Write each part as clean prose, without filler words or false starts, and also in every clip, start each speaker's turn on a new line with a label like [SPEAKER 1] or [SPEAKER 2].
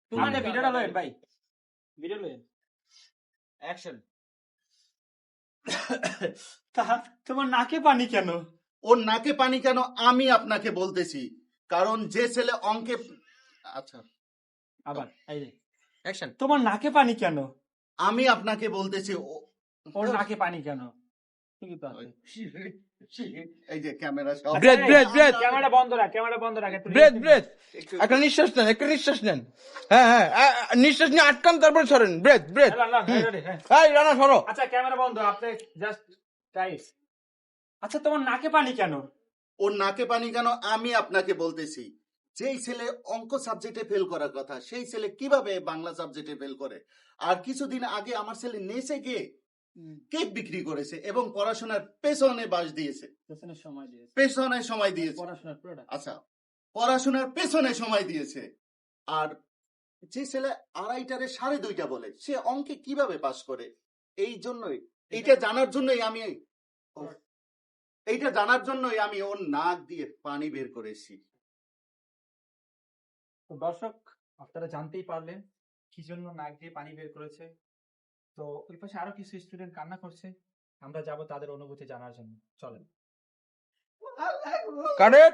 [SPEAKER 1] তোমার ভিডিওটা লয়েন ভাই, ভিডিও লয়েন,
[SPEAKER 2] অ্যাকশন।
[SPEAKER 1] তোমার নাকে পানি কেন?
[SPEAKER 3] ওর নাকে পানি কেন আমি আপনাকে বলতেছি, কারণ যে ছেলে অঙ্কে, আচ্ছা
[SPEAKER 1] আবার এই যে
[SPEAKER 2] অ্যাকশন।
[SPEAKER 1] তোমার নাকে পানি কেন?
[SPEAKER 3] আমি আপনাকে বলতেছি
[SPEAKER 1] ওর নাকে পানি কেন? ঠিকই তো আছে।
[SPEAKER 3] এই যে ক্যামেরা সব
[SPEAKER 4] ব্রেথ ব্রেথ ব্রেথ
[SPEAKER 1] ক্যামেরা বন্ধ রাখ, ক্যামেরা বন্ধ রাখ, একটু
[SPEAKER 4] ব্রেথ ব্রেথ একটা নিঃশ্বাস নেন, একটা নিঃশ্বাস নেন। হ্যাঁ হ্যাঁ নিঃশ্বাস নিয়ে আটকান, তারপরে ছড়েন। Breath breath. এই রানা সরো।
[SPEAKER 1] আচ্ছা ক্যামেরা বন্ধ, আপনি জাস্ট টাইস। আচ্ছা তোমার নাকে পানি কেন?
[SPEAKER 3] ওর নাকে পানি কেন আমি আপনাকে বলতেছি, যেই ছেলে অঙ্ক সাবজেক্টে ফেল করার কথা সেই ছেলে কিভাবে বাংলা সাবজেক্টে ফেল করে? আর কিছুদিন আগে আমার ছেলে নেচে গিয়ে কেক বিক্রি করেছে এবং পড়াশোনার পেছনে বাস দিয়েছে, পেছনে সময় দিয়েছে। আচ্ছা পড়াশোনার পেছনে সময় দিয়েছে। আর যে ছেলে 2:30টারে 2:30 বলে সে অঙ্কে কিভাবে পাস করে? এই জন্যই এইটা জানার জন্যই আমি ওর নাক দিয়ে পানি বের করেছি।
[SPEAKER 1] তো দর্শক আপনারা জানতেই পারলেন কি জন্য নাক দিয়ে পানি বের করেছে। তো ওই পাশে আরো কিছু স্টুডেন্ট কান্না করছে, আমরা যাব তাদের অনুভূতি জানার জন্য। চলেন।
[SPEAKER 4] কারেট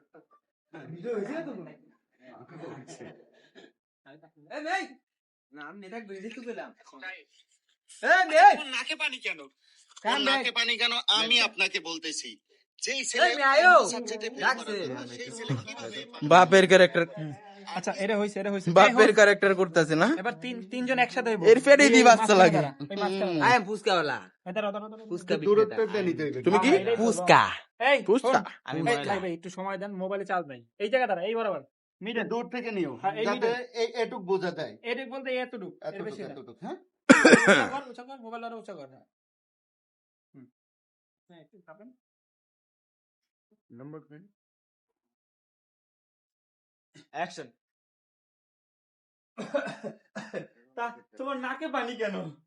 [SPEAKER 3] নাকে পানি কেন? ওর নাকে পানি কেন আমি আপনাকে বলতেছি, যেই
[SPEAKER 2] এই
[SPEAKER 3] ছেলে
[SPEAKER 2] মেয়ে আয়ো।
[SPEAKER 3] সাবজেক্টে ফেল
[SPEAKER 2] ডাকছে।
[SPEAKER 3] করার কথা, সেই ছেলে কিভাবে
[SPEAKER 4] বাপের ক্যারেক্টার,
[SPEAKER 1] আচ্ছা এটা হইছে, এটা হইছে।
[SPEAKER 4] বাপের ক্যারেক্টার করতেছে না?
[SPEAKER 1] এবার তিনজন একসাথে হইব।
[SPEAKER 4] এর ফেটেই দি বাচ্চা লাগে।
[SPEAKER 1] ওই মাঝখানে
[SPEAKER 2] আই এম ফুসকাওয়ালা।
[SPEAKER 1] দাঁড়া।
[SPEAKER 2] ফুসকা
[SPEAKER 3] দূরত্বটা নিতে হইবে।
[SPEAKER 4] তুমি কি
[SPEAKER 2] ফুসকা।
[SPEAKER 1] এই
[SPEAKER 4] ফুসকা?
[SPEAKER 2] আমি
[SPEAKER 1] এই,
[SPEAKER 2] ময়লা।
[SPEAKER 1] ভাই একটু সময় দেন, মোবাইলে চার্জ নাই। এই জায়গা দাঁড়া, এই বরাবর মিডল।
[SPEAKER 3] দূর থেকে নিও
[SPEAKER 1] হ্যাঁ, এই
[SPEAKER 3] যাতে এটুক বোঝা যায়,
[SPEAKER 1] এদিক বলতে এতটুক, এর বেশি না।
[SPEAKER 3] এতটুক হ্যাঁ।
[SPEAKER 1] উঁচা কর, মোবাইল আরো উঁচা কর। হ্যাঁ একটু চাপেন।
[SPEAKER 2] অ্যাকশন।
[SPEAKER 1] তা তোমার নাকে পানি কেন?